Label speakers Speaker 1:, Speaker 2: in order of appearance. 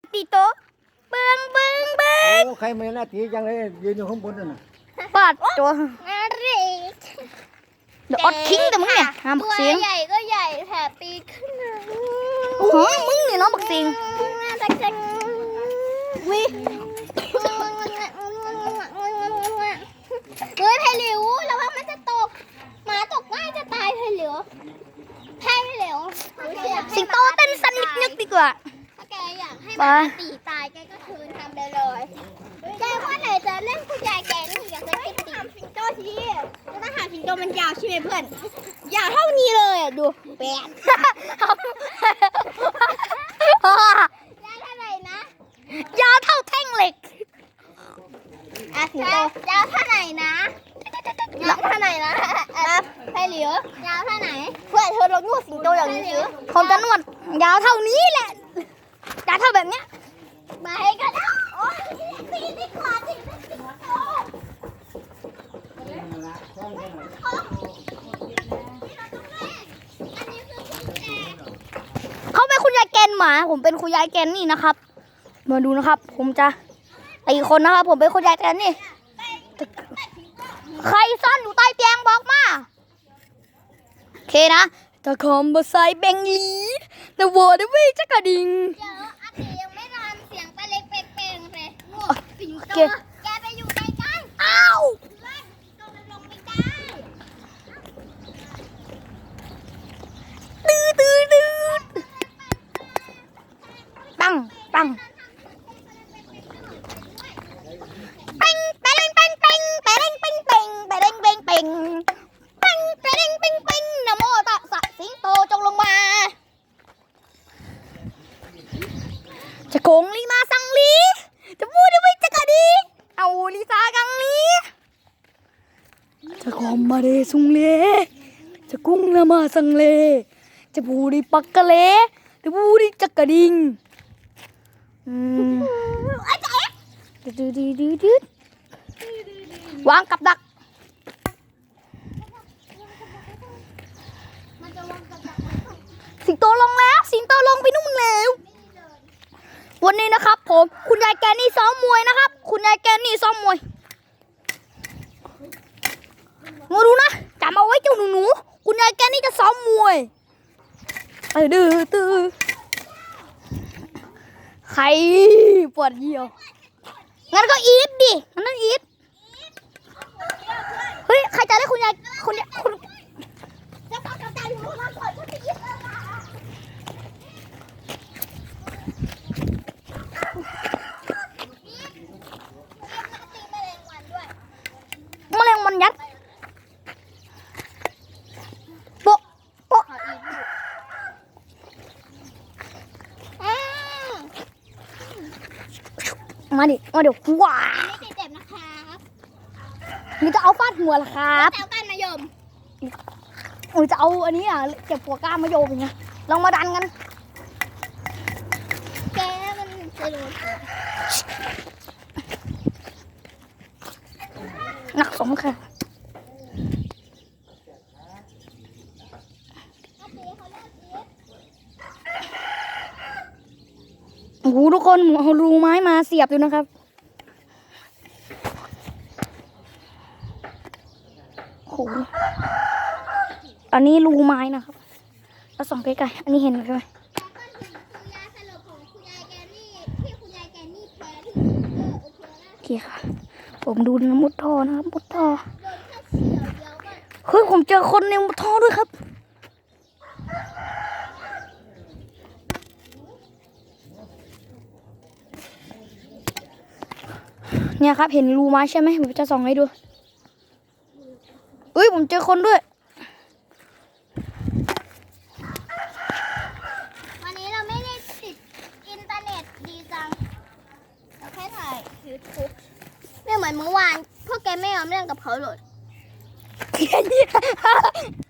Speaker 1: ตีโตเบิ้ง
Speaker 2: โอ้ใครไม่น่าตีจังเลยยืนอยู่ข้างบนนั่นน่ะ
Speaker 1: ปาดตัว
Speaker 3: นาริก
Speaker 1: เดี๋ยวอดทิ้งแต่มึงเนี่ยห้ามบักเสียง
Speaker 3: ใหญ่ก็ใหญ่แถบปีกขึ้นมา
Speaker 1: โอ้โหมึงเนี่ยน้องบักเสียง
Speaker 3: น่ารักจังวิเฮ้ยไผ่หลิวระวังมันจะตกหมาตกง่ายจะตายไผ่หลิวไผ่หลิว
Speaker 1: สิงโตเต้นสันนิดๆดีกว่า
Speaker 3: ถ้าแกอยากให้หมาตีตายแกก็เชิญทำได้เลยแกว่าไหนจะเล่นคุณยายแกนี่อยากจะให้ตีสิงโตทีแล้วถ้าหากสิงโตมันยาวใช่ไหมเพื่อนยาวเท่านี้เลยอ่ะดูแปด ยาวเท่าไหร่นะ
Speaker 1: ยาวเท่าแท่งเหล็ก
Speaker 3: สิงโตยาวเท่าไหร่นะยาวเท่าไหร่นะไผ่หลิวยาวเท่าไหนเพื่อนเธอลองนวดสิงโตอย่างนี้สิ
Speaker 1: ผมจะนวดยาวเท่านี้แหละยาวเท่าแบบเนี้ย
Speaker 3: มาให้กันนะโอ้ยตีดีกว่าตีสิงโต
Speaker 1: เขาเป็นคุณยายแกนหมาผมเป็นคุณยายแกนนี่นะครับมาดูนะครับ ผมจะตีคนนะครับ ผมเป็นคุณยายแกนนี่ใครซ่อนอยู่ใต้เตียงบอกมาโอเคนะตะคอมบะไซแบงลีแต่วอร์ดวิจักระดิ่ง
Speaker 3: เดี๋ยวอาทิยังไม่นอนเสียงปลาเล็กเป่งๆเลยสิงโตแกไปอยู่ใกล้ๆ
Speaker 1: อ้าว
Speaker 3: สิงโตมันลงไม่ได้
Speaker 1: ตื้อปังปังเป่งเป่งเป่งเป่งเป่งเป่งเป่งเป่งเป่งเป่งเป่งเป่งเป่งเป่งนะโมตัสสะสิงโตจงลงมาจะโกงลีมาสังลีจะพูดได้ไหมจะกระดีเอาลิซากังลีจะกอมมาเรซุงเลจะกุ้งละมาสังเลจะพูดปักกะเลจะพูดจักกระดิ่งดืดวางกับดักสิงโตลงแล้วสิงโตลงไปนู่นแล้ววันนี้นะครับผมคุณยายแกนี่ซ้อมมวยนะครับคุณยายแกนี่ซ้อมมวยมาดูนะจำเอาไว้เจ้าหนูคุณยายแกนี่จะซ้อมมวยดื้อใครปวดเยี่ยวงั้นก็อีฟดิงั้นต้องอีฟเฮ้ยใครจะได้คุณยายคุณ
Speaker 3: จะต้องกระจายอยู่ข้างล่างก่อนฉันจะยิงเลยนะตีแมลงวันด้วย
Speaker 1: แมลงมันยัดโปะโปะมาดิมาเดี๋ยวว้า
Speaker 3: ไม่เจ็บนะครับ
Speaker 1: นี่จะเอาฟาดหัวเหรอครับ
Speaker 3: แต่ก้านมะยม
Speaker 1: จะเอาอันนี้อ่ะเก็บหัวก้านมะโยมอย่างเงี้ยลองมาดันกัน
Speaker 3: แกมันจะโดน
Speaker 1: หนักสมค่ะโอ้โหทุกคนหมูเอารูไม้มาเสียบอยู่นะครับโอ้โหอันนี้รูไม้นะครับแล้วส่องใกล้ๆอันนี้เห็นไหมใช่ไหม
Speaker 3: คุณยาสลบของคุณยายแกนี่ที่คุณยายแกนี่แพ้ที่โอเคนะ
Speaker 1: โอเคค่ะผมดูนะมุดท่อนะครับมุดท่อ
Speaker 3: โดนแค่เฉียวเดียวก็
Speaker 1: เฮ้ยผมเจอคนในมุดท่อด้วยครับเนี่ยครับเห็นรูไม้ใช่ไหมผมจะส่องให้ดูเฮ้ยผมเจอคนด้วย
Speaker 3: วันนี้เราไม่ได้ติดอินเทอร์เน็ตดีจังเราแค่ถ่ายยูทูบไม่เหมือนเมื่อวานพวกแกไม่ยอมเล่นกับเขาเลย